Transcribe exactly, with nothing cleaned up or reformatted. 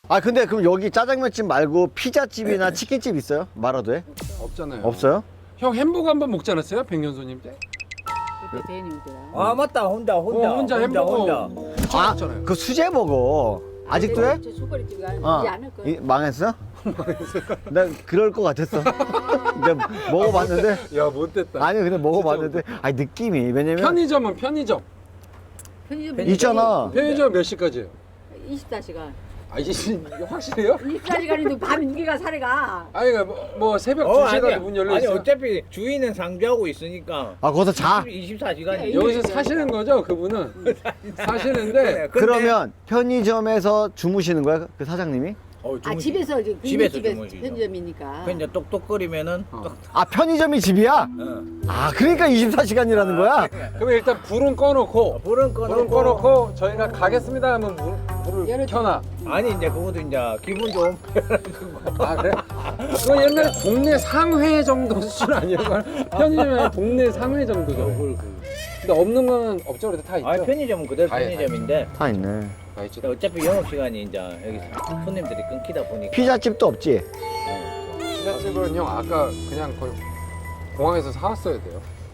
아 근데 그럼 여기 짜장면집 말고 피자집이나 치킨집 있어요? 마라도에? 없잖아요. 없어요? 형 햄버거 한번 먹지 않았어요? 백년손님 때? 그때 대님이더라. 아 맞다 혼자 혼자 어, 혼자 햄버거. 혼자. 아, 없잖아요. 그 수제 먹어. 아직도 해? 저 초콜릿집이 어. 아니지 않을 거야. 이, 망했어? 난 그럴 것 같았어. 내가 먹어봤는데. 야 못됐다. 아니 근데 먹어봤는데. 아니 느낌이 왜냐면 편의점은 편의점. 편의점 있잖아. 편의점 몇 시까지예요? 이십사 시간. 아 이게 확실해요? 이십사 시간인데 밤 인기가 사례가. 아니 그러니까 뭐, 뭐 새벽 어, 두 시에 아니야. 가도 문 열려 아니 있어요? 어차피 주인은 상주하고 있으니까 아 거기서 자. 이십사 시간이 여기서 사시는 거죠 그분은? 사시는데 그러면 편의점에서 주무시는 거야 그 사장님이? 어, 아 주무시- 집에서 이제 집에서 집에서 주무시죠. 편의점이니까. 그 이제 똑똑거리면은 어. 똑 아 편의점이 집이야? 어. 아 그러니까 이십사 시간이라는 거야? 그럼 일단 불은 꺼놓고 불은 꺼놓고 불은 꺼놓고 저희가 가겠습니다 하면 물, 불을 열어줘. 켜놔. 아니 이제 그것도 이제 기분 좀 아 그래? 그거 옛날에 동네 상회 정도 수준 아니에요? 편의점에 동네 상회 정도죠. 근데 없는 거는 없죠. 그래도 다 있죠. 아 편의점은 그대로 다 해, 편의점인데 다 있네. 다 있죠. 어차피 영업 시간이 이제 여기 손님들이 끊기다 보니까 피자집도 없지? 피자집은 형 아까 그냥 거의 공항에서 사왔어야 돼요.